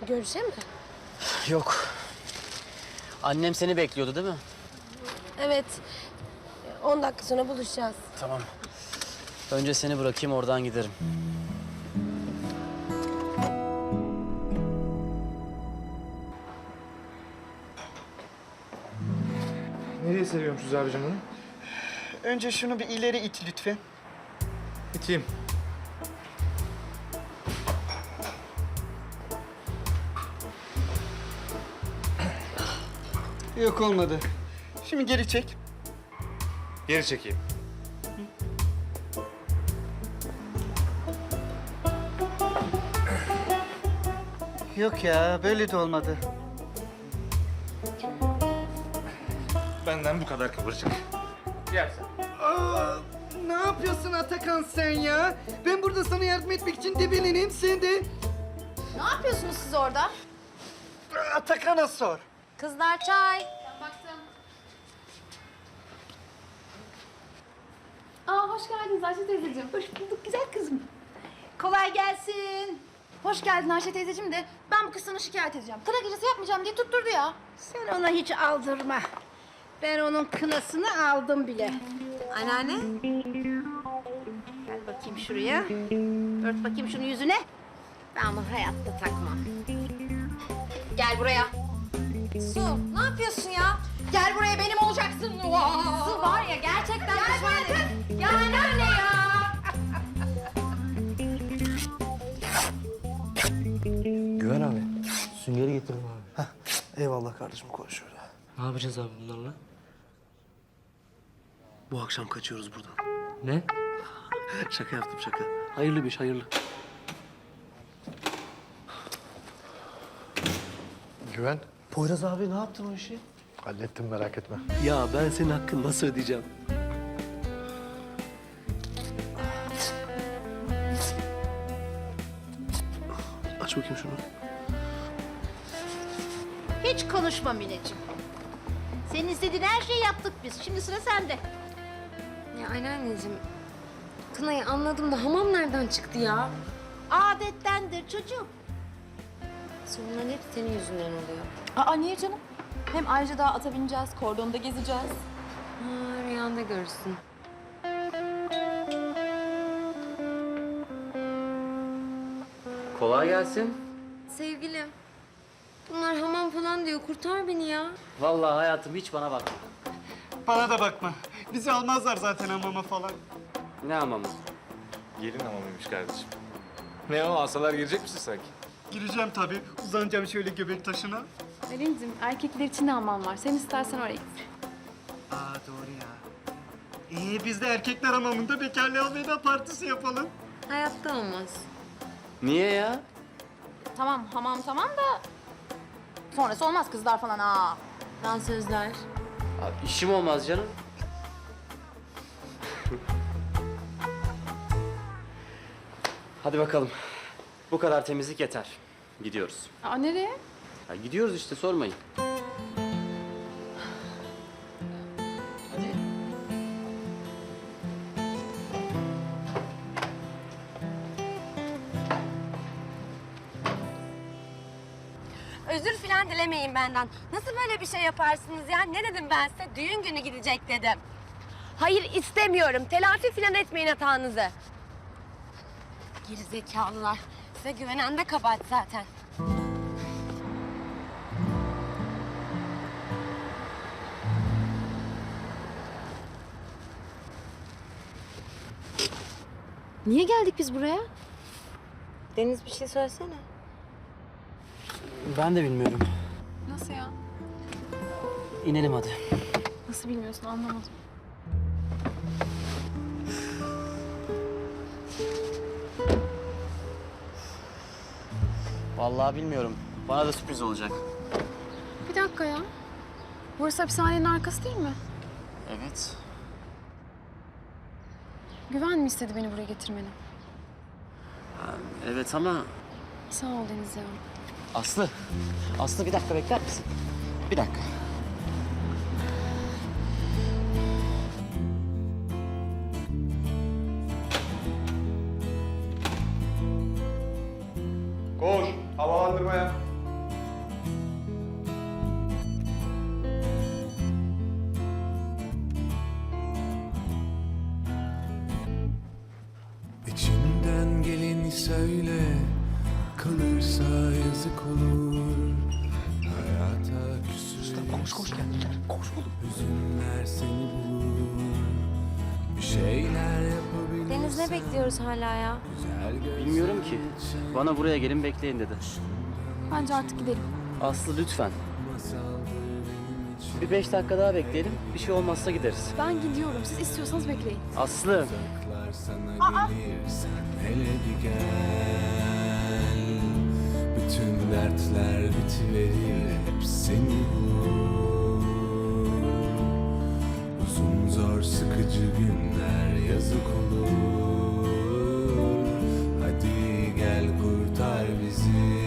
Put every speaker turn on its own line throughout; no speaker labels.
Görüşe mi?
Yok. Annem seni bekliyordu değil mi?
Evet. 10 dakika sonra buluşacağız.
Tamam. Önce seni bırakayım, oradan giderim.
Nereye seviyormuşuz abicim bunu?
Önce şunu bir ileri it lütfen.
İteyim.
Yok olmadı. Şimdi geri çek.
Geri çekeyim.
Yok ya böyle de olmadı.
Benden bu kadar kıvırcık. Yersen.
Aa, ne yapıyorsun Atakan sen ya? Ben burada sana yardım etmek için debelenim sen de.
Ne yapıyorsunuz siz orada?
Atakan'a sor.
Kızlar çay. Ben baktım. Aa hoş geldiniz Ayşe teyzeciğim. Hoş bulduk güzel kızım. Kolay gelsin. Hoş geldin Ayşe teyzeciğim de ben bu kız sana şikayet edeceğim. Kına gecesi yapmayacağım diye tutturdu ya.
Sen ona hiç aldırma. Ben onun kınasını aldım bile.
Anneanne.
Gel bakayım şuraya. Ört bakayım şunu yüzüne. Ben bunu hayatta takmam.
Gel buraya. Su ne yapıyorsun ya? Gel buraya benim olacaksın. Su var ya gerçekten pişman ederim. Ya anneanne ya.
Güven abi. Süngeri getirdim abi.
Eyvallah kardeşim, koy şöyle.
Ne yapacağız abi bunlarla?
Bu akşam kaçıyoruz buradan.
Ne?
Şaka yaptım, şaka. Hayırlı bir iş, hayırlı.
Güven,
Poyraz abi ne yaptın o işi?
hallettim merak etme.
Ya ben senin hakkını nasıl ödeyeceğim? Aç bakayım şunu.
Hiç konuşma Mineciğim. Senin istediğin her şeyi yaptık biz. Şimdi sıra sende.
Ya anneanneciğim, kınayı anladım da hamam nereden çıktı ya?
Adettendir çocuğum.
Sorunların hep senin yüzünden oluyor.
Aa niye canım? Hem ayrıca daha ata bineceğiz, kordonda gezeceğiz.
Ha, rüyanda görürsün.
Kolay gelsin.
Sevgilim, bunlar hamam falan diyor. Kurtar beni ya.
Vallahi hayatım hiç bana bakma.
Bana da bakma. Bizi almazlar zaten hamama falan.
Ne hamamı?
Gelin hamamıymış kardeşim. Ne o, alsalar girecek misin sanki?
Gireceğim tabii. Uzanacağım şöyle göbek taşına.
Ali'cim erkekler için de hamam var. Sen istersen oraya git.
Aa doğru ya. Biz de erkekler hamamında bekarlığa veda partisi yapalım.
Hayatta olmaz.
Niye ya?
Tamam hamam tamam da sonrası olmaz kızlar falan aa.
Dansözler.
Abi, işim olmaz canım. Hadi bakalım. Bu kadar temizlik yeter. Gidiyoruz.
Aa nereye?
Ya gidiyoruz işte, sormayın. Hadi.
Özür filan dilemeyin benden. Nasıl böyle bir şey yaparsınız ya? Ne dedim ben size? Düğün günü gidecek dedim. Hayır istemiyorum. Telafi filan etmeyin hatanızı. Geri zekalılar. Size güvenen de kabahat zaten. Niye geldik biz buraya? Deniz bir şey söylesene.
Ben de bilmiyorum.
Nasıl ya?
İnelim hadi.
Nasıl bilmiyorsun anlamadım.
Vallahi bilmiyorum. Bana da sürpriz olacak.
Bir dakika ya. Burası hapishanenin arkası değil mi?
Evet.
Güven mi istedi beni buraya getirmeni?
Evet ama
Sağ ol Deniz ya.
Aslı. Aslı bir dakika bekler misin? Bir dakika.
Koş, havalandırmaya.
yazık olur. Hayata küsülür.
Koş geldiler. Koş oğlum.
Hüzünler seni bulur. Bir şeyler yapabilirsen.
Deniz ne bekliyoruz hala ya?
Bilmiyorum ki. Bana buraya gelin bekleyin dedi.
Bence artık gidelim.
Aslı lütfen. Bir 5 dakika daha bekleyelim. Bir şey olmazsa gideriz.
Ben gidiyorum. Siz istiyorsanız bekleyin.
Aslı.
Sana gelirsen hele bir gel. Bütün dertler bitiverir, hep seni bulur. Uzun zor sıkıcı günler yazık olur. Hadi gel kurtar bizi.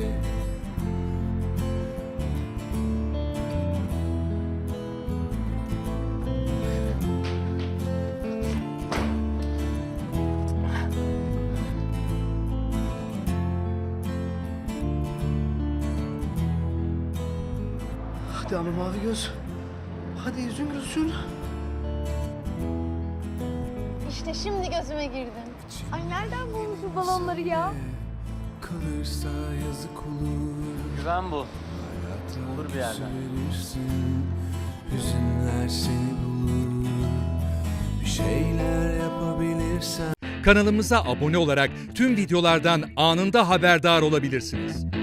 Hadi ama mavi göz. Hadi yüzün gülsün.
İşte şimdi gözüme girdin. Ay nereden bulmuş bu balonları ya?
Kalırsa yazık olur.
Güven bu. Bulur bir yerden.
Verirsin, hüzünler seni bulur. Bir şeyler yapabilirsen.
Kanalımıza abone olarak tüm videolardan anında haberdar olabilirsiniz.